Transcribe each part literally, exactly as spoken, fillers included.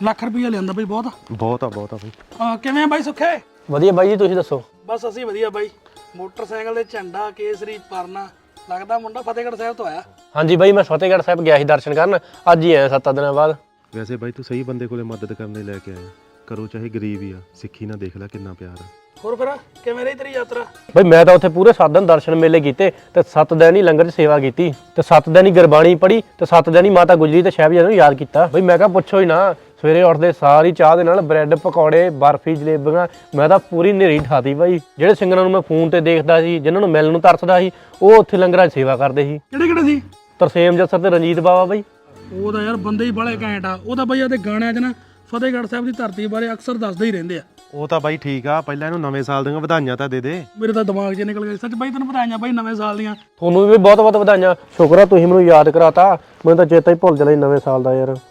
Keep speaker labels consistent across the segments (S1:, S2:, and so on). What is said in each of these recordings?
S1: ਲੱਖ ਰੁਪਈਆ ਲਿਆਂਦਾ ਬਈ ਬਹੁਤ
S2: ਬਹੁਤ ਆ ਬਹੁਤ ਆ ਬਈ।
S1: ਹਾਂ ਕਿਵੇਂ ਆ ਬਾਈ ਸੁੱਖੇ?
S3: ਵਧੀਆ ਬਾਈ ਜੀ ਤੁਸੀਂ ਦੱਸੋ।
S1: ਬਸ ਅਸੀਂ ਵਧੀਆ ਬਾਈ। ਮੋਟਰਸਾਈਕਲ ਦੇ ਝੰਡਾ ਕੇਸਰੀ ਪਰਨਾ ਲੱਗਦਾ ਮੁੰਡਾ ਫਤਿਹਗੜ੍ਹ ਸਾਹਿਬ ਤੋਂ ਆਇਆ।
S3: ਹਾਂਜੀ ਬਾਈ ਮੈਂ ਫਤਿਹਗੜ੍ਹ ਸਾਹਿਬ ਗਿਆ ਸੀ ਦਰਸ਼ਨ ਕਰਨ, ਅੱਜ ਹੀ ਆਇਆ ਸੱਤ ਦਿਨਾਂ ਬਾਅਦ।
S2: ਵੈਸੇ ਬਾਈ ਤੂੰ ਸਹੀ ਬੰਦੇ ਕੋਲੇ ਮਦਦ ਕਰਨ ਲਈ ਲੈ ਕੇ ਆਇਆ। ਕਰੋ ਚਾਹੇ ਗਰੀਬ ਹੀ ਆ, ਸਿੱਖੀ ਨਾਲ ਦੇਖ ਲੈ ਕਿੰਨਾ ਪਿਆਰ ਆ।
S1: ਹੋਰ ਫਿਰ ਕਿਵੇਂ ਰਹੀ ਤੇਰੀ ਯਾਤਰਾ?
S3: ਬਾਈ ਮੈਂ ਤਾਂ ਉੱਥੇ ਪੂਰੇ ਸੱਤ ਦਿਨ ਦਰਸ਼ਨ ਮੇਲੇ ਕੀਤੇ ਤੇ ਸੱਤ ਦਿਨ ਹੀ ਲੰਗਰ 'ਚ ਸੇਵਾ ਕੀਤੀ ਤੇ ਸੱਤ ਦਿਨ ਹੀ ਗੁਰਬਾਣੀ ਪੜ੍ਹੀ ਤੇ ਸੱਤ ਦਿਨ ਹੀ ਮਾਤਾ ਗੁਜਰੀ ਤੇ ਸਾਹਿਬਜ਼ਾਦਿਆਂ ਨੂੰ ਯਾਦ ਕੀਤਾ। ਬਾਈ ਮੈਂ ਕਿਹਾ ਪੁੱਛੋ ਹੀ ਨਾ, ਸਵੇਰੇ ਉੱਠਦੇ ਸਾਰੀ ਚਾਹ ਦੇ ਨਾਲ ਬ੍ਰੈਡ ਪਕੌੜੇ ਬਰਫੀ ਜਲੇਬੀਆਂ ਮੈਂ ਤਾਂ ਪੂਰੀ ਨੇਰੀ ਠਾਤੀ ਬਾਈ। ਜਿਹੜੇ ਸਿੰਗਰਾਂ ਨੂੰ ਮੈਂ ਫੋਨ ਤੇ ਦੇਖਦਾ ਸੀ, ਜਿਨ੍ਹਾਂ ਨੂੰ ਮਿਲਣ ਨੂੰ ਤਰਸਦਾ ਸੀ, ਉਹ ਉੱਥੇ ਲੰਗਰਾਂ 'ਚ ਸੇਵਾ ਕਰਦੇ ਸੀ।
S1: ਕਿਹੜੇ ਕਿਹੜੇ ਸੀ?
S3: ਤਰਸੇਮ ਜੱਸਰ ਤੇ ਰਣਜੀਤ ਬਾਵਾ ਬਾਈ।
S1: ਉਹ ਤਾਂ ਯਾਰ ਬੰਦੇ ਹੀ ਬੜੇ ਘੈਂਟ ਆ। ਉਹ ਤਾਂ ਬਈ ਉਹਦੇ ਗਾਣਿਆਂ 'ਚ ਨਾ ਫਤਿਹਗੜ੍ਹ ਸਾਹਿਬ ਦੀ ਧਰਤੀ ਬਾਰੇ ਅਕਸਰ ਦੱਸਦੇ ਹੀ ਰਹਿੰਦੇ ਆ।
S2: ਉਹ ਤਾਂ ਬਾਈ ਠੀਕ ਆ, ਪਹਿਲਾਂ ਇਹਨੂੰ ਨਵੇਂ ਸਾਲ ਦੀਆਂ ਵਧਾਈਆਂ ਤਾਂ ਦੇ ਦੇ।
S1: ਮੇਰੇ ਤਾਂ ਦਿਮਾਗ 'ਚ ਨਿਕਲ ਗਿਆ। ਸੱਚ ਬਾਈ ਤੈਨੂੰ ਵਧਾਈਆਂ ਬਾਈ ਨਵੇਂ ਸਾਲ ਦੀਆਂ।
S3: ਤੁਹਾਨੂੰ ਵੀ ਬਹੁਤ ਬਹੁਤ ਵਧਾਈਆਂ। ਸ਼ੁਕਰ ਆ ਤੁਸੀਂ ਮੈਨੂੰ ਯਾਦ ਕਰਾਤਾ, ਮੈਨੂੰ ਤਾਂ ਚੇਤਾ ਹੀ ਭੁੱਲ ਜਾਣਾ ਨਵੇਂ ਸਾਲ ਦਾ ਯਾਰ।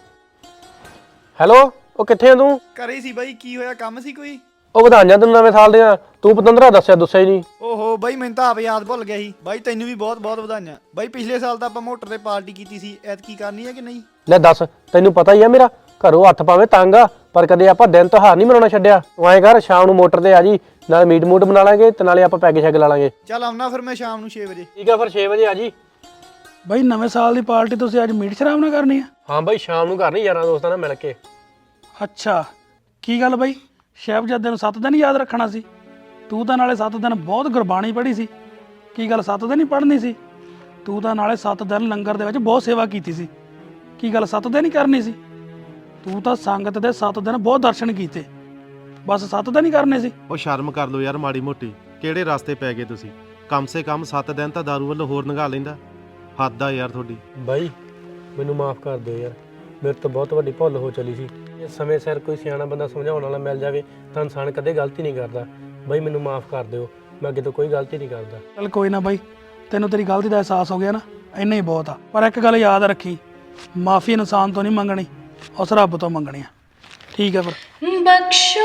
S3: ਹੈਲੋ ਉਹ ਕਿੱਥੇ ਆ ਤੂੰ?
S4: ਘਰੇ ਸੀ ਬਾਈ। ਕੀ ਹੋਇਆ, ਕੰਮ ਸੀ ਕੋਈ?
S3: ਉਹ ਵਧਾਈਆਂ ਤੈਨੂੰ ਨਵੇਂ ਸਾਲ ਦੀਆਂ। ਤੂੰ ਪਤੰਦਰਾ ਦੱਸਿਆ ਦੱਸਿਆ ਹੀ ਨਹੀਂ।
S4: ਓਹੋ ਬਾਈ ਮੈਨੂੰ ਤਾਂ ਆਪ ਯਾਦ ਭੁੱਲ ਗਿਆ ਸੀ। ਬਾਈ ਤੈਨੂੰ ਵੀ ਬਹੁਤ ਬਹੁਤ ਵਧਾਈਆਂ। ਬਾਈ ਪਿਛਲੇ ਸਾਲ ਤਾਂ ਆਪਾਂ ਮੋਟਰ ਤੇ ਪਾਰਟੀ ਕੀਤੀ ਸੀ, ਐਤਕੀ ਕਰਨੀ ਹੈ ਕਿ ਨਹੀਂ?
S3: ਲੈ ਦੱਸ, ਤੈਨੂੰ ਪਤਾ ਹੀ ਆ ਮੇਰਾ ਘਰੋਂ ਹੱਥ ਪਾਵੇਂ ਤੰਗ ਆ, ਪਰ ਕਦੇ ਆਪਾਂ ਦਿਨ ਤਿਉਹਾਰ ਨਹੀਂ ਮਨਾਉਣਾ ਛੱਡਿਆ। ਤੂੰ ਐਂ ਕਰ ਸ਼ਾਮ ਨੂੰ ਮੋਟਰ ਤੇ ਆ ਜੀ, ਨਾਲ ਮੀਟ ਮੂਟ ਬਣਾ ਲਾਂਗੇ ਤੇ ਨਾਲੇ ਆਪਾਂ ਪੈਗ ਸ਼ੈਗ ਲਾ ਲਾਂਗੇ।
S4: ਚੱਲ ਆਉਣਾ ਫਿਰ ਮੈਂ ਸ਼ਾਮ ਨੂੰ ਛੇ ਵਜੇ।
S3: ਠੀਕ ਆ ਫਿਰ ਛੇ ਵਜੇ ਆ ਜੀ।
S1: ਬਾਈ ਨਵੇਂ ਸਾਲ ਦੀ ਪਾਰਟੀ ਤੁਸੀਂ ਅੱਜ ਮੀਟ ਸ਼ਰਾਬ ਨਾਲ ਕਰਨੀ ਆ?
S3: ਹਾਂ ਬਾਈ ਸ਼ਾਮ ਨੂੰ ਕਰਨੀ ਯਾਰਾਂ ਦੋਸਤਾਂ ਨਾਲ ਮਿਲ ਕੇ।
S1: ਅੱਛਾ ਕੀ ਗੱਲ ਬਾਈ, ਸਾਹਿਬਜ਼ਾਦੇ ਨੂੰ ਸੱਤ ਦਿਨ ਯਾਦ ਰੱਖਣਾ ਸੀ? ਤੂੰ ਤਾਂ ਨਾਲੇ ਸੱਤ ਦਿਨ ਬਹੁਤ ਗੁਰਬਾਣੀ ਪੜ੍ਹੀ ਸੀ। ਕੀ ਗੱਲ ਸੱਤ ਦਿਨ ਹੀ ਪੜ੍ਹਨੀ ਸੀ? ਤੂੰ ਤਾਂ ਨਾਲੇ ਸੱਤ ਦਿਨ ਲੰਗਰ ਦੇ ਵਿੱਚ ਬਹੁਤ ਸੇਵਾ ਕੀਤੀ ਸੀ। ਕੀ ਗੱਲ ਸੱਤ ਦਿਨ ਹੀ ਕਰਨੀ ਸੀ? ਤੂੰ ਤਾਂ ਸੰਗਤ ਦੇ ਸੱਤ ਦਿਨ ਬਹੁਤ ਦਰਸ਼ਨ ਕੀਤੇ, ਬਸ ਸੱਤ ਦਿਨ ਹੀ ਕਰਨੇ ਸੀ?
S2: ਉਹ ਸ਼ਰਮ ਕਰ ਲਓ ਯਾਰ ਮਾੜੀ ਮੋਟੀ। ਕਿਹੜੇ ਰਸਤੇ ਪੈ ਗਏ ਤੁਸੀਂ? ਕਮ ਸੇ ਕਮ ਸੱਤ ਦਿਨ ਤਾਂ ਦਾਰੂ ਵੱਲੋਂ ਹੋਰ ਨੰਗਾ ਲੈਂਦਾ। ਹੱਦ ਆ ਯਾਰ ਤੁਹਾਡੀ।
S3: ਬਾਈ ਮੈਨੂੰ ਮਾਫ ਕਰ ਦਿਓ ਯਾਰ, ਮੇਰੇ ਤੋਂ ਬਹੁਤ ਵੱਡੀ ਭੁੱਲ ਹੋ ਚਲੀ ਸੀ। ਜੇ ਸਮੇਂ ਸਿਰ ਕੋਈ ਸਿਆਣਾ ਬੰਦਾ ਸਮਝਾਉਣ ਵਾਲਾ ਮਿਲ ਜਾਵੇ ਤਾਂ ਇਨਸਾਨ ਕਦੇ ਗਲਤੀ ਨਹੀਂ ਕਰਦਾ। ਬਾਈ ਮੈਨੂੰ ਮਾਫ ਕਰ ਦਿਓ, ਮੈਂ ਅੱਗੇ ਤੋਂ ਕੋਈ ਗਲਤੀ ਨਹੀਂ ਕਰਦਾ।
S1: ਚੱਲ ਕੋਈ ਨਾ ਬਾਈ, ਤੈਨੂੰ ਤੇਰੀ ਗਲਤੀ ਦਾ ਅਹਿਸਾਸ ਹੋ ਗਿਆ ਨਾ, ਇੰਨਾ ਹੀ ਬਹੁਤ ਆ। ਪਰ ਇੱਕ ਗੱਲ ਯਾਦ ਰੱਖੀ, ਮਾਫੀ ਇਨਸਾਨ ਤੋਂ ਨਹੀਂ ਮੰਗਣੀ, ਉਸ ਰੱਬ ਤੋਂ ਮੰਗਣੀ ਆ। ਠੀਕ ਹੈ ਫਿਰ।
S5: बख्शो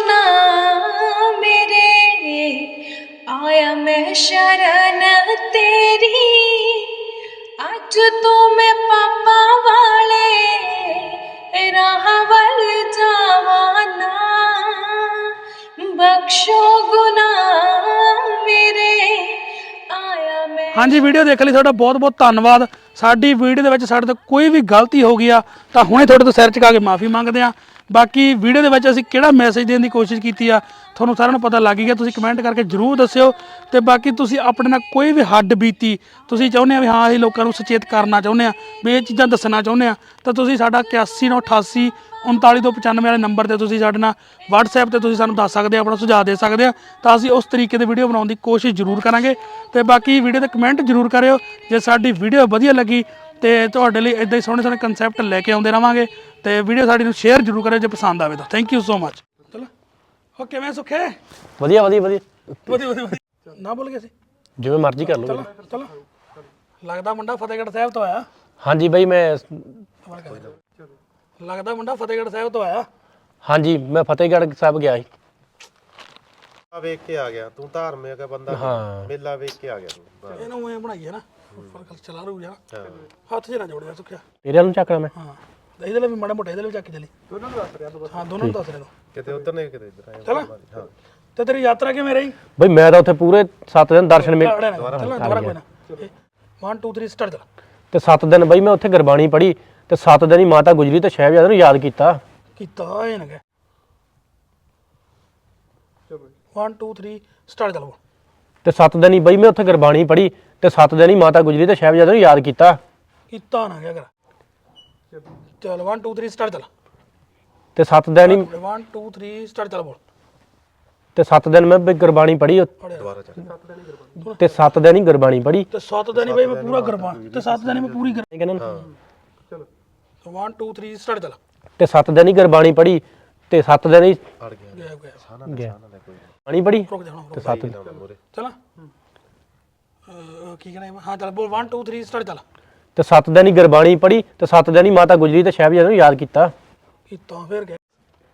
S5: गुनाह मेरे आया मैं शरण तेरी अज तो मैं पापा वाले राह वल जावाना बख्शो गुनाह मेरे आया मैं।
S1: ਹਾਂਜੀ ਵੀਡੀਓ ਦੇਖਣ ਲਈ ਤੁਹਾਡਾ ਬਹੁਤ ਬਹੁਤ ਧੰਨਵਾਦ। ਸਾਡੀ ਵੀਡੀਓ ਦੇ ਵਿੱਚ ਸਾਡੇ ਤੋਂ ਕੋਈ ਵੀ ਗਲਤੀ ਹੋ ਗਈ ਆ ਤਾਂ ਹੁਣੇ ਤੁਹਾਡੇ ਤੋਂ ਸਿਰ ਝੁਕਾ ਕੇ ਮਾਫੀ ਮੰਗਦੇ ਆ। ਬਾਕੀ ਵੀਡੀਓ ਦੇ ਵਿੱਚ ਅਸੀਂ ਕਿਹੜਾ ਮੈਸੇਜ ਦੇਣ ਦੀ ਕੋਸ਼ਿਸ਼ ਕੀਤੀ ਆ ਤੁਹਾਨੂੰ ਸਾਰਿਆਂ ਨੂੰ ਪਤਾ ਲੱਗ ਹੀ ਗਿਆ। ਤੁਸੀਂ ਕਮੈਂਟ ਕਰਕੇ ਜਰੂਰ ਦੱਸਿਓ। ਤੇ ਬਾਕੀ ਤੁਸੀਂ ਆਪਣੇ ਨਾਲ ਕੋਈ ਵੀ ਹੱਡ ਬੀਤੀ ਤੁਸੀਂ ਚਾਹੁੰਦੇ ਆ ਵੀ ਹਾਂ ਅਸੀਂ ਲੋਕਾਂ ਨੂੰ ਸੁਚੇਤ ਕਰਨਾ ਚਾਹੁੰਦੇ ਆ ਵੀ ਇਹ ਚੀਜ਼ਾਂ ਦੱਸਣਾ ਚਾਹੁੰਦੇ ਆ ਤਾਂ ਤੁਸੀਂ ਸਾਡਾ ਇਕਿਆਸੀ ਨੌ ਅਠਾਸੀ ਉਨਤਾਲੀ ਦੋ ਪਚਾਨਵੇਂ ਵਾਲੇ ਨੰਬਰ ਤੇ ਤੁਸੀਂ ਸਾਡੇ ਨਾਲ WhatsApp ਤੇ ਤੁਸੀਂ ਸਾਨੂੰ ਦੱਸ ਸਕਦੇ ਆ, ਆਪਣਾ ਸੁਝਾਅ ਦੇ ਸਕਦੇ ਆ ਤਾਂ ਅਸੀਂ ਉਸ ਤਰੀਕੇ ਦੀ ਵੀਡੀਓ ਬਣਾਉਣ ਦੀ ਕੋਸ਼ਿਸ਼ ਜ਼ਰੂਰ ਕਰਾਂਗੇ। ਤੇ ਬਾਕੀ ਵੀਡੀਓ ਤੇ ਕਮੈਂਟ ਜ਼ਰੂਰ ਕਰਿਓ ਜੇ ਸਾਡੀ ਵੀਡੀਓ ਵਧੀਆ ਲੱਗੀ ਤੇ ਤੁਹਾਡੇ ਲਈ ਇਦਾਂ ਹੀ ਸੋਹਣੇ ਸੋਹਣੇ ਕਨਸੈਪਟ ਲੈ ਕੇ ਆਉਂਦੇ ਰਵਾਂਗੇ। ਤੇ ਵੀਡੀਓ ਸਾਡੀ ਨੂੰ ਸ਼ੇਅਰ ਜ਼ਰੂਰ ਕਰਿਓ ਜੇ ਪਸੰਦ ਆਵੇ ਤਾਂ। Thank you so much. ਚਲੋ ਹੋ ਕਿਵੇਂ ਸੁੱਖੇ?
S3: ਵਧੀਆ ਵਧੀਆ ਵਧੀਆ
S1: ਵਧੀਆ ਵਧੀਆ ਵਧੀਆ। ਨਾ ਭੁੱਲ ਗਏ ਸੀ?
S3: ਜਿਵੇਂ ਮਰਜ਼ੀ ਕਰ ਲਓ।
S1: ਚਲੋ ਚਲੋ ਲੱਗਦਾ ਮੁੰਡਾ ਫਤਿਹਗੜ੍ਹ ਸਾਹਿਬ ਤੋਂ ਆਇਆ।
S3: ਹਾਂਜੀ ਬਾਈ ਮੈਂ
S1: ਲੱਗਦਾ ਮੁੰਡਾ ਫਤਿਹਗੜ੍ਹ ਸਾਹਿਬ ਤੋਂ ਆਇਆ।
S3: ਹਾਂਜੀ ਮੈਂ ਫਤਿਹਗੜ੍ਹ ਸਾਹਿਬ ਗਿਆ ਸੀ।
S2: ਆ ਵੇਖ ਕੇ ਆ ਗਿਆ ਤੂੰ, ਧਾਰਮਿਕ ਬੰਦਾ।
S3: ਹਾਂ
S2: ਮੇਲਾ ਵੇਖ ਕੇ ਆ ਗਿਆ ਤੂੰ।
S1: ਇਹਨੂੰ ਐ ਬਣਾਈਏ ਨਾ ਉੱਪਰ ਗੱਲ ਚਲਾ ਰੂ ਜਾ, ਹੱਥ 'ਚ ਨਾ ਜੋੜਿਆ ਸੁੱਖਿਆ।
S3: ਤੇਰੇ ਨੂੰ ਚੱਕਣਾ ਮੈਂ।
S1: ਹਾਂ ਇਹਦੇ ਲਈ ਵੀ ਮਾੜਾ ਮੋਟਾ ਇਹਦੇ ਲਈ ਚੱਕ ਚਲੀ। ਦੋਨਾਂ ਨੂੰ ਦੱਸ ਰਿਹਾ ਤੂੰ? ਹਾਂ ਦੋਨਾਂ ਨੂੰ ਦੱਸ ਰਿਹਾ ਤੂੰ।
S2: ਕਿਤੇ ਉਧਰ ਨੇ ਕਿਤੇ ਇੱਧਰ ਆਇਆ।
S1: ਚਲੋ ਤੇ ਤੇਰੀ ਯਾਤਰਾ ਕਿਵੇਂ ਰਹੀ?
S3: ਬਈ ਮੈਂ ਤਾਂ ਉੱਥੇ ਪੂਰੇ ਸੱਤ ਦਿਨ ਦਰਸ਼ਨ ਮੇਲੇ
S1: ਚਲੋ ਦੁਬਾਰਾ ਕੋਈ ਨਾ। ਇੱਕ ਦੋ ਤਿੰਨ ਸਟਾਰਟ ਚੱਲ।
S3: ਤੇ ਸੱਤ ਦਿਨ ਬਈ ਮੈਂ ਉੱਥੇ ਗੁਰਬਾਣੀ ਪੜ੍ਹੀ ਤੇ ਸੱਤ ਦਿਨ ਹੀ ਮਾਤਾ ਗੁਜਰੀ ਤੇ ਸਾਹਿਬਜ਼ਾਦਿਆਂ ਨੂੰ ਯਾਦ ਕੀਤਾ
S1: ਕੀਤਾ ਇਹ ਨਾ ਕਿ ਇੱਕ ਦੋ ਤਿੰਨ ਸਟਾਰਟ ਚੱਲ।
S3: ਤੇ ਸੱਤ ਦਿਨ ਹੀ ਬਈ ਮੈਂ ਉੱਥੇ ਗੁਰਬਾਣੀ ਪੜ੍ਹੀ ਤੇ ਸੱਤ ਦਿਨ ਹੀ ਮਾਤਾ ਗੁਜਰੀ ਤੇ ਸਾਹਿਬਜ਼ਾਦਿਆਂ ਨੂੰ ਯਾਦ ਕੀਤਾ
S1: ਕੀਤਾ ਨਾ ਕਿਆ ਕਰ। ਚੱਲ ਇੱਕ ਦੋ ਤਿੰਨ ਸਟਾਰਟ ਚੱਲ।
S3: ਤੇ ਸੱਤ ਦਿਨ ਹੀ
S1: ਇੱਕ ਦੋ ਤਿੰਨ ਸਟਾਰਟ ਚੱਲ ਬੋਲ।
S3: ਤੇ ਸੱਤ ਦਿਨ ਮੈਂ ਬਈ ਗੁਰਬਾਣੀ ਪੜ੍ਹੀ
S2: ਦੁਬਾਰਾ ਚੱਲ।
S3: ਤੇ ਸੱਤ ਦਿਨ ਹੀ ਗੁਰਬਾਣੀ ਪੜ੍ਹੀ
S1: ਤੇ ਸੱਤ ਦਿਨ ਹੀ ਬਈ ਮੈਂ ਪੂਰਾ ਗੁਰਬਾਣੀ ਤੇ ਸੱਤ ਦਿਨ ਹੀ ਮੈਂ ਪੂਰੀ ਕਰ।
S3: ਕਹਿੰਦਾ
S1: ਚਲੋ ਇੱਕ ਦੋ ਤਿੰਨ ਸਟਾਰਟ ਚੱਲ।
S3: ਤੇ ਸੱਤ ਦਿਨ ਹੀ ਗੁਰਬਾਣੀ ਪੜ੍ਹੀ ਤੇ ਸੱਤ ਦਿਨ ਹੀ
S2: ਅੜ ਗਿਆ
S1: ਗਿਆ ਗਿਆ
S3: ਗਿਆ ਬਾਣੀ ਪੜ੍ਹੀ
S1: ਰੁਕ ਜਾ ਹੁਣ
S3: ਤੇ ਸੱਤ
S1: ਚੱਲ। ਕੀ ਕਹਿੰਦਾ ਹਾਂ ਚੱਲ ਬੋਲ ਇੱਕ ਦੋ ਤਿੰਨ ਸਟਾਰਟ ਚੱਲ।
S3: ਤੇ ਸੱਤ ਦਿਨ ਹੀ ਗੁਰਬਾਣੀ ਪੜ੍ਹੀ ਤੇ ਸੱਤ ਦਿਨ ਹੀ ਮਾਤਾ ਗੁਜਰੀ ਤੇ ਸਾਹਿਬਜ਼ਾਦਿਆਂ ਨੂੰ ਯਾਦ ਕੀਤਾ
S1: ਕੀਤਾ ਫਿਰ ਗਿਆ।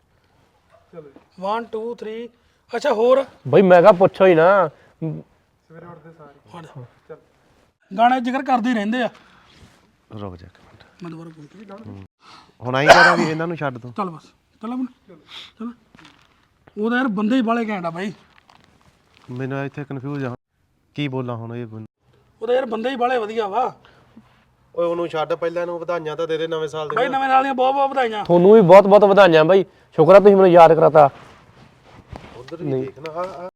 S1: ਇੱਕ ਦੋ ਤਿੰਨ ਅੱਛਾ ਹੋਰ
S3: ਬਈ ਮੈਂ ਕਿਹਾ ਪੁੱਛੋ ਹੀ ਨਾ।
S1: ਸਵੇਰੇ ਉੱਠਦੇ ਸਾਰੇ ਚੱਲ ਗਾਣੇ ਜ਼ਿਕਰ ਕਰਦੇ ਹੀ ਰਹਿੰਦੇ ਆ।
S2: ਰੁਕ ਜਾ ਇੱਕ ਮਿੰਟ।
S1: ਮੈਂ ਦੁਬਾਰਾ ਬੋਲ
S2: ਹੁਣ ਆਈ ਕਰਾਂ ਵੀ ਇਹਨਾਂ ਨੂੰ ਛੱਡ ਦੋ।
S1: ਚੱਲ ਬਸ ਚੱਲ ਆਪਣਾ ਚੱਲ। ਉਹਦਾ ਯਾਰ ਬੰਦੇ ਹੀ ਬਾਲੇ ਘੈਂਟ ਆ ਬਾਈ।
S2: ਮੈਨੂੰ ਇੱਥੇ ਕਨਫਿਊਜ਼ ਆ ਕੀ ਬੋਲਾਂ ਹੁਣ ਇਹ ਬੰਦਾ।
S1: ਉਹਦਾ ਯਾਰ ਬੰਦੇ ਹੀ ਬਾਲੇ ਵਧੀਆ ਵਾ
S2: ਓਏ ਉਹਨੂੰ ਛੱਡ, ਪਹਿਲਾਂ ਨੂੰ ਵਧਾਈਆਂ ਤਾਂ ਦੇ ਦੇ ਨਵੇਂ ਸਾਲ
S1: ਬਾਈ। ਨਵੇਂ ਸਾਲ ਦੀਆਂ ਬਹੁਤ ਬਹੁਤ ਵਧਾਈਆਂ।
S3: ਤੁਹਾਨੂੰ ਵੀ ਬਹੁਤ ਬਹੁਤ ਵਧਾਈਆਂ ਬਾਈ, ਸ਼ੁਕਰ ਆ ਤੁਸੀਂ ਮੈਨੂੰ ਯਾਦ ਕਰਾਤਾ।
S2: ਉਧਰ ਵੀ ਦੇਖਣਾ। ਆ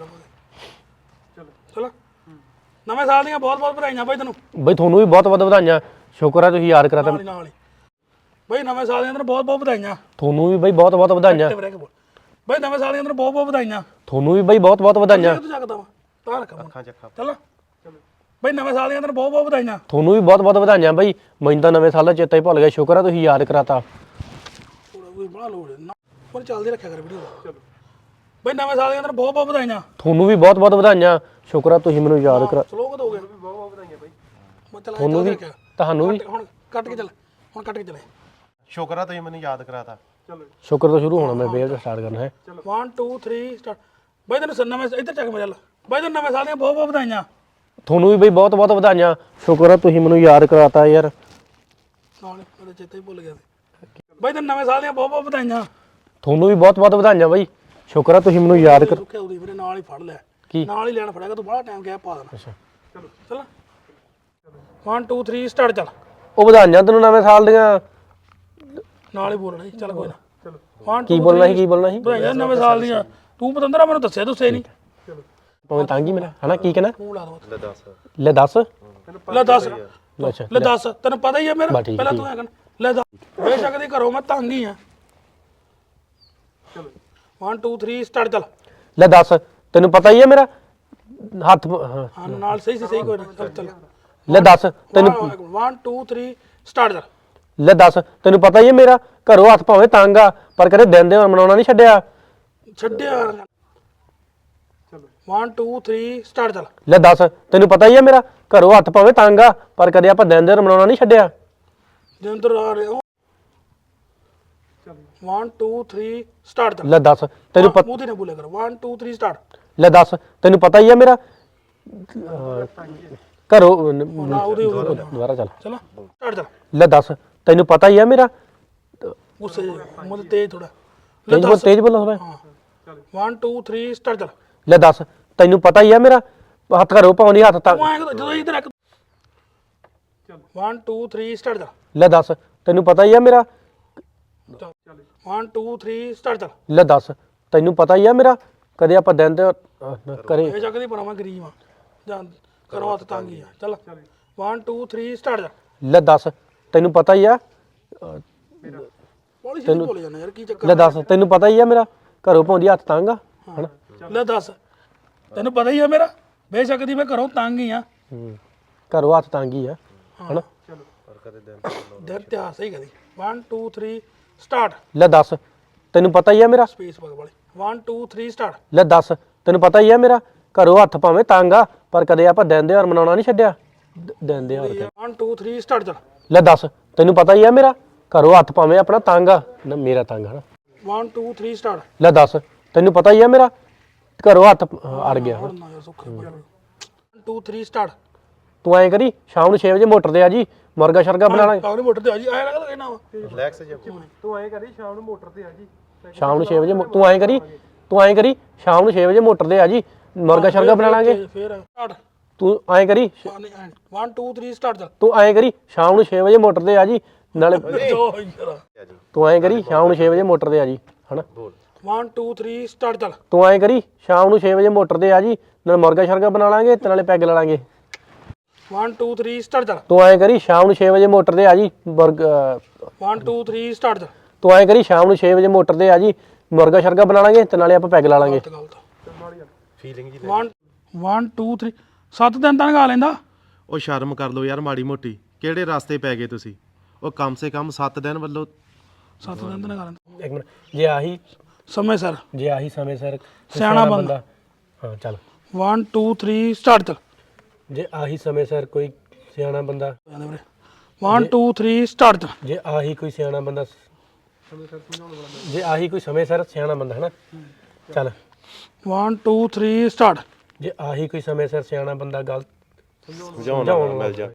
S1: ਚਲੋ ਨਵੇਂ ਸਾਲ ਦੀਆਂ ਬਹੁਤ ਬਹੁਤ ਵਧਾਈਆਂ ਬਾਈ ਤੈਨੂੰ।
S3: ਬਾਈ ਤੁਹਾਨੂੰ ਵੀ ਬਹੁਤ ਬਹੁਤ ਵਧਾਈਆਂ, ਸ਼ੁਕਰ ਆ ਤੁਸੀਂ ਯਾਦ ਕਰਾਤਾ।
S1: ਨਾਲ ਹੀ ਨਾਲ ਹੀ ਬਾਈ ਨਵੇਂ ਸਾਲ ਦੀਆਂ ਤੈਨੂੰ ਬਹੁਤ ਬਹੁਤ ਵਧਾਈਆਂ।
S3: ਤੁਹਾਨੂੰ ਵੀ ਬਾਈ ਬਹੁਤ ਬਹੁਤ ਵਧਾਈਆਂ।
S1: ਬਾਈ ਨਵੇਂ ਸਾਲ ਦੀਆਂ ਤੈਨੂੰ ਬਹੁਤ ਬਹੁਤ ਵਧਾਈਆਂ।
S3: ਤੁਹਾਨੂੰ ਵੀ ਬਾਈ ਬਹੁਤ ਬਹੁਤ ਵਧਾਈਆਂ।
S1: ਤੂੰ ਜਗਦਾ ਵਾ ਤਾਂ ਰੱਖ
S2: ਅੱਖਾਂ ਚੱਖਾ।
S1: ਚੱਲ ਬਾਈ ਨਵੇਂ ਸਾਲ ਦੀਆਂ ਤੈਨੂੰ ਬਹੁਤ ਬਹੁਤ ਵਧਾਈਆਂ।
S3: ਤੁਹਾਨੂੰ ਵੀ ਬਹੁਤ ਬਹੁਤ ਵਧਾਈਆਂ ਬਾਈ, ਮੈਨੂੰ ਤਾਂ ਨਵੇਂ ਸਾਲ ਦਾ ਚੇਤਾ ਹੀ ਭੁੱਲ ਗਿਆ, ਸ਼ੁਕਰ ਆ ਤੁਸੀਂ ਯਾਦ ਕਰਾਤਾ।
S1: ਥੋੜਾ ਕੋਈ ਬੜਾ ਲੋੜ ਨਾ ਪਰ ਚੱਲਦੀ ਰੱਖਿਆ ਕਰ ਵੀਡੀਓ। ਚਲੋ ਬਾਈ ਨਵੇਂ ਸਾਲ ਦੀਆਂ ਤੈਨੂੰ ਬਹੁਤ ਬਹੁਤ ਵਧਾਈਆਂ।
S3: ਤੁਹਾਨੂੰ ਵੀ ਬਹੁਤ ਬਹੁਤ ਵਧਾਈਆਂ, ਸ਼ੁਕਰ ਆ ਤੁਸੀਂ ਮੈਨੂੰ ਯਾਦ ਕਰਾ।
S1: ਸਲੋ ਕਦ ਹੋ ਗਿਆ? ਬਹੁਤ ਬਹੁਤ ਵਧਾਈਆਂ ਬਾਈ। ਮੈਂ ਚੱਲ
S3: ਤੁਹਾਨੂੰ ਵੀ ਤੁਹਾਨੂੰ ਵੀ
S1: ਹੁਣ ਕੱਟ ਕੇ ਚੱਲ, ਹੁਣ ਕੱਟ ਕੇ ਚੱਲੇ।
S2: ਸ਼ੁਕਰ ਆ ਤੁਸੀਂ ਮੈਨੂੰ ਯਾਦ ਕਰਾਤਾ।
S1: ਚਲੋ
S3: ਸ਼ੁਕਰ ਤੋਂ ਸ਼ੁਰੂ ਹੋਣਾ, ਮੈਂ ਵੇਵ ਸਟਾਰਟ ਕਰਨਾ ਹੈ।
S1: one two three start. ਬਾਈ ਤੈਨੂੰ ਸ- ਨਵੇਂ ਇੱਧਰ ਚੱਕ ਮੇਰੇ ਵੱਲ। ਬਾਈ ਤੈਨੂੰ ਨਵੇਂ ਸਾਲ ਦੀਆਂ ਬਹੁਤ ਬਹੁਤ ਵਧਾਈਆਂ।
S3: ਤੁਹਾਨੂੰ ਵੀ ਬਾਈ ਬਹੁਤ ਬਹੁਤ ਵਧਾਈਆਂ, ਸ਼ੁਕਰ ਆ ਤੁਸੀਂ ਮੈਨੂੰ ਯਾਦ ਕਰਾਤਾ ਯਾਰ।
S1: ਨਾਲ ਮੇਰੇ ਚੇਤੇ ਹੀ ਭੁੱਲ ਗਿਆ ਸੀ। ਬਾਈ ਤੈਨੂੰ ਨਵੇਂ ਸਾਲ ਦੀਆਂ ਬਹੁਤ ਬਹੁਤ ਵਧਾਈਆਂ।
S3: ਤੁਹਾਨੂੰ ਵੀ ਬਹੁਤ ਬਹੁਤ ਵਧਾਈਆਂ ਬਾਈ, ਸ਼ੁਕਰ ਆ ਤੁਸੀਂ ਮੈਨੂੰ ਯਾਦ ਕਰ।
S1: ਸੁੱਖਿਆ ਉਹਦੀ ਮੇਰੇ ਨਾਲ ਹੀ ਫੜ ਲਿਆ।
S3: ਕੀ?
S1: ਨਾਲ ਹੀ ਲੈਣ ਫੜਿਆਗਾ ਤੂੰ ਬੜਾ ਟਾਈਮ ਗਿਆ ਪਾ ਦੇਣਾ। ਅੱਛਾ ਚਲੋ ਚੱਲ one two three ਸਟਾਰਟ। ਚੱਲ
S3: ਉਹ ਵਧਾਈਆਂ ਤੈਨੂੰ ਨਵੇਂ ਸਾਲ ਦੀਆਂ।
S1: ਨਾਲ ਹੀ ਬੋਲਣਾ ਸੀ। ਚੱਲ ਕੋਈ ਨਾ। ਚਲੋ one
S3: ਕੀ
S1: two
S3: ਬੋਲਣਾ
S1: three
S3: ਸੀ, ਕੀ ਬੋਲਣਾ ਸੀ?
S1: ਵਧਾਈਆਂ ਨਵੇਂ ਸਾਲ ਦੀਆਂ। ਤੂੰ ਪਤੰਦਰਾ ਮੈਨੂੰ ਦੱਸਿਆ ਦੱਸੇ ਨਹੀਂ।
S3: ਭਾਵੇਂ ਤੰਗ ਹੀ ਮੇਰਾ ਹਨਾ, ਕੀ ਕਹਿਣਾ?
S1: ਤੂੰ ਲਾ ਦੋ।
S2: ਲੈ ਦੱਸ।
S3: ਲੈ ਦੱਸ।
S1: ਲੈ ਦੱਸ।
S3: ਅੱਛਾ
S1: ਲੈ ਦੱਸ ਤੈਨੂੰ ਪਤਾ ਹੀ ਆ ਮੇਰਾ।
S3: ਬਸ ਠੀਕ,
S1: ਪਹਿਲਾਂ
S3: ਠੀਕ।
S1: ਤੂੰ ਐ ਕਹਿਣਾ ਲੈ ਦੱਸ। ਬੇਸ਼ੱਕ ਦੀ ਘਰੋਂ ਮੈਂ ਤੰਗ ਹੀ ਆ। ਚਲੋ one two three ਸਟਾਰਟ। ਚੱਲ
S3: ਲੈ ਦੱਸ, ਤੈਨੂੰ ਪਤਾ ਹੀ ਹੈ ਮੇਰਾ ਹੱਥ ਹਾਂ।
S1: ਹਾਂ ਨਾਲ ਸਹੀ ਸੀ ਸਹੀ ਕੋਈ ਨਾ। ਚੱਲ ਚੱਲ
S3: ਲੈ ਦੱਸ ਤੈਨੂੰ
S1: one two three ਸਟਾਰਟ। ਚੱਲ
S3: ਲੈ ਦੱਸ ਤੈਨੂੰ ਪਤਾ ਹੀ ਹੈ ਮੇਰਾ ਘਰੋਂ ਹੱਥ ਭਾਵੇਂ ਤੰਗ ਆ, ਪਰ ਕਦੇ ਦਿਨ ਦੇ ਮਨਾਉਣਾ ਨਹੀਂ ਛੱਡਿਆ।
S1: ਛੱਡਿਆ। ਚਲੋ one two three ਸਟਾਰਟ। ਚੱਲ
S3: ਲੈ ਦੱਸ ਤੈਨੂੰ ਪਤਾ ਹੀ ਹੈ ਮੇਰਾ ਘਰੋਂ ਹੱਥ ਭਾਵੇਂ ਤੰਗ ਆ, ਪਰ ਕਦੇ ਆਪਾਂ ਦਿਨ ਦੇ ਮਨਾਉਣਾ ਨਹੀਂ ਛੱਡਿਆ।
S1: ਜਿੰਦਰ ਆ ਰਹੇ ਹੋ। one two three start. ਚੱਲ
S3: ਲੈ ਦੱਸ ਤੈਨੂੰ ਪਤਾ
S1: ਮੂੰਹ ਤੇ ਨਾ ਬੋਲਿਆ ਕਰ। one two three start.
S3: ਲੈ ਦੱਸ ਤੈਨੂੰ ਪਤਾ ਹੀ ਹੈ ਮੇਰਾ ਅਹ, ਘਰੋਂ
S1: ਨਾ ਉਹਦੇ ਉਹਦੇ
S3: ਦੁਬਾਰਾ ਚੱਲ।
S1: ਚਲੋ ਸਟਾਰਟ। ਚੱਲ
S3: ਲੈ ਦੱਸ ਤੈਨੂੰ ਪਤਾ ਹੀ ਹੈ ਮੇਰਾ
S1: ਗੁੱਸੇ ਮੁੰਡ ਤੇਜ਼ ਥੋੜਾ।
S3: ਤੇਜ਼ ਬੋਲ, ਤੇਜ਼ ਬੋਲੋ ਹੋਵੇ।
S1: one two three start. ਚੱਲ
S3: ਲੈ ਦੱਸ ਤੈਨੂੰ ਪਤਾ ਹੀ ਹੈ ਮੇਰਾ ਹੱਥ ਘਰੋਂ ਪਾਉਣੀ ਹੱਥ ਤੰਗ।
S1: ਤੂੰ ਐਂ ਕਦੋਂ- ਜਦੋਂ ਇੱਧਰ ਰੱਖ। one two three start. ਚੱਲ
S3: ਲੈ ਦੱਸ ਤੈਨੂੰ ਪਤਾ ਹੀ ਹੈ ਮੇਰਾ
S1: one two three ਸਟਾਰਟ। ਚੱਲ
S3: ਲੈ ਦੱਸ ਤੈਨੂੰ ਪਤਾ ਹੀ ਹੈ ਮੇਰਾ ਕਦੇ ਆਪਾਂ ਦਿਨ ਦੇ ਅਹ, ਕਰੇ
S1: ਇਹ ਜੱਗ ਦੀ ਬਣਾਵਾਂ ਗਰੀਬ ਆ ਜਾਂ ਕਰੋ ਹੱਥ ਤੰਗ ਹੀ ਆ। ਚੱਲ one two three ਸਟਾਰਟ। ਚੱਲ
S3: ਲੈ ਦੱਸ ਤੈਨੂੰ ਪਤਾ ਹੀ ਆ
S1: ਪੋਲਿਸੀ ਨਹੀਂ ਬੋਲ ਜਾਂਦਾ ਯਾਰ ਕੀ ਚੱਕਰ।
S3: ਲੈ ਦੱਸ ਤੈਨੂੰ ਪਤਾ ਹੀ ਆ ਮੇਰਾ ਘਰੋਂ ਪਾਉਂਦੀ ਹੱਥ ਤੰਗ ਆ ਹਨਾ।
S1: ਲੈ ਦੱਸ ਤੈਨੂੰ ਪਤਾ ਹੀ ਆ ਮੇਰਾ ਬੇਸ਼ੱਕ ਦੀ ਮੈਂ ਘਰੋਂ ਤੰਗ ਹੀ ਆ।
S3: ਹੂੰ, ਘਰੋਂ ਹੱਥ ਤੰਗ ਹੀ ਆ ਹਨਾ।
S1: ਦਿਨ ਤਿਆਰ ਸਹੀ ਕਦੀ। one two three start.
S3: ਲੈ ਦੱਸ ਤੈਨੂੰ ਪਤਾ ਹੀ ਆ ਮੇਰਾ
S1: ਸਪੇਸ ਬਗ ਵਾਲੇ one two three ਸਟਾਰਟ।
S3: ਲੈ ਦੱਸ ਤੈਨੂੰ ਪਤਾ ਹੀ ਆ ਮੇਰਾ ਘਰੋਂ ਹੱਥ ਭਾਵੇਂ ਤੰਗ ਆ, ਪਰ ਕਦੇ ਆਪਾਂ ਦਿਨ ਦੇ ਹਾਰ ਮਨਾਉਣਾ ਨਹੀਂ ਛੱਡਿਆ। ਦ- ਦਿਨ ਦੇ ਹਾਰ
S1: one two three ਸਟਾਰਟ। ਚੱਲ
S3: ਲੈ ਦੱਸ ਤੈਨੂੰ ਪਤਾ ਹੀ ਆ ਮੇਰਾ ਘਰੋਂ ਹੱਥ ਭਾਵੇਂ ਆਪਣਾ ਤੰਗ ਆ ਨਾ, ਮੇਰਾ ਤੰਗ ਹਨਾ।
S1: one two three start.
S3: ਲੈ ਦੱਸ ਤੈਨੂੰ ਪਤਾ ਹੀ ਆ ਮੇਰਾ ਘਰੋਂ ਹੱਥ ਅਹ, ਅੜ ਗਿਆ।
S1: ਨਾ ਯਾਰ Sukha one two three start.
S3: ਤੂੰ ਐਂ ਕਰੀ ਸ਼ਾਮ ਨੂੰ ਛੇ ਵਜੇ ਮੋਟਰ ਤੇ ਆ ਜੀ, ਮੁਰਗਾ ਸ਼ਰਗਾ ਬਣਾ ਲਾਂਗੇ।
S1: ਕਾਹਨੇ ਮੋਟਰ ਤੇ ਆ ਜੀ ਆਇਆ ਲੱਗਦਾ ਕਹਿਣਾ ਵਾ।
S2: ਰਿਲੈਕਸ ਜੇ
S3: ਤੂੰ ਐਂ ਕਰੀ ਸ਼ਾਮ ਨੂੰ ਮੋਟਰ ਤੇ ਆ ਜੀ, ਸ਼ਾਮ ਨੂੰ ਛੇ ਵਜੇ ਮੋ- ਤੂੰ ਐਂ ਕਰੀ ਤੂੰ ਐਂ ਕਰੀ ਸ਼ਾਮ ਨੂੰ ਛੇ ਵਜੇ ਮੋਟਰ ਤੇ ਆ ਜੀ, ਮੁਰਗਾ ਸ਼ਰਗਾ ਬਣਾ ਲਾਂਗੇ।
S1: ਫੇਰ ਸਟਾਰਟ।
S3: ਤੂੰ ਐਂ ਕਰੀ
S1: one two three ਸਟਾਰਟ। ਚੱਲ
S3: ਤੂੰ ਐਂ ਕਰੀ ਸ਼ਾਮ ਨੂੰ ਛੇ ਵਜੇ ਮੋਟਰ ਤੇ ਆ ਜੀ, ਨਾਲੇ
S1: ਜੋ ਯਾਰ
S3: ਤੂੰ ਐਂ ਕਰੀ ਸ਼ਾਮ ਨੂੰ ਛੇ ਵਜੇ ਮੋਟਰ ਤੇ ਆ ਜੀ ਹਨਾ।
S1: one two three start. ਚੱਲ
S3: ਤੂੰ ਐਂ ਕਰੀ ਸ਼ਾਮ ਨੂੰ ਛੇ ਵਜੇ ਮੋਟਰ ਤੇ ਆ ਜੀ, ਨਾਲੇ ਮੁਰਗਾ ਸ਼ਰਗਾ ਬਣਾ ਲਾਂਗੇ ਤੇ ਨਾਲੇ ਪੈਗ ਲਾ ਲਾਂਗੇ।
S1: one two three start. ਚੱਲ
S3: ਤੂੰ ਐਂ ਕਰੀ ਸ਼ਾਮ ਨੂੰ ਛੇ ਵਜੇ ਮੋਟਰ ਤੇ ਆ ਜੀ, ਮੁਰਗਾ
S1: one two three ਸਟਾਰਟ। ਚੱਲ
S3: ਤੂੰ ਐਂ ਕਰੀ ਸ਼ਾਮ ਨੂੰ ਛੇ ਵਜੇ ਮੋਟਰ ਤੇ ਆ ਜੀ, ਮੁਰਗਾ ਸ਼ਰਗਾ ਬਣਾ ਲਾਂਗੇ ਤੇ ਨਾਲੇ ਆਪਾਂ ਪੈਗ ਲਾ ਲਾਂਗੇ।
S1: ਗਲਤ ਗਲਤ।
S2: ਫੀਲਿੰਗ ਜੀ
S1: one one two three ਸੱਤ ਦਿਨ ਤਾਂ ਲਗਾ ਲੈਂਦਾ।
S2: ਉਹ ਸ਼ਰਮ ਕਰ ਲਓ ਯਾਰ ਮਾੜੀ ਮੋਟੀ, ਕਿਹੜੇ ਰਸਤੇ ਪੈ ਗਏ ਤੁਸੀਂ? ਉਹ ਕਮ ਸੇ ਕਮ ਸੱਤ ਦਿਨ ਵੱਲੋਂ
S1: ਸੱਤ ਦਿਨ ਤਾਂ ਲਗਾ ਲੈਂਦਾ
S3: ਇੱਕ ਮਿੰਟ, ਜੇ ਆਹੀ
S1: ਸਮੇਂ ਸਰ।
S3: ਜੇ ਆਹੀ ਸਮੇਂ ਸਿਰ
S1: ਸਿਆਣਾ ਬੰਦਾ।
S3: ਹਾਂ ਚੱਲ
S1: one two three ਸਟਾਰਟ। ਚੱਲ
S3: ਜੇ ਆਹੀ ਸਮੇਂ ਸਿਰ ਕੋਈ ਸਿਆਣਾ ਬੰਦਾ
S1: ਜਾਂਦੇ ਵੀਰੇ one two three ਸਟਾਰਟ। ਚੱਲ
S3: ਜੇ ਆਹੀ ਕੋਈ ਸਿਆਣਾ ਬੰਦਾ ਜੇ ਆਹੀ ਕੋਈ ਸਮੇਂ ਸਿਰ ਸਿਆਣਾ ਬੰਦਾ ਹਨਾ। ਚੱਲ
S1: one two three ਸਟਾਰਟ।
S3: ਜੇ ਆਹੀ ਕੋਈ ਸਮੇਂ ਸਿਰ ਸਿਆਣਾ ਬੰਦਾ ਗਲਤ
S2: ਸਮਝਾਉਣਾ ਮਿਲ ਜਾ।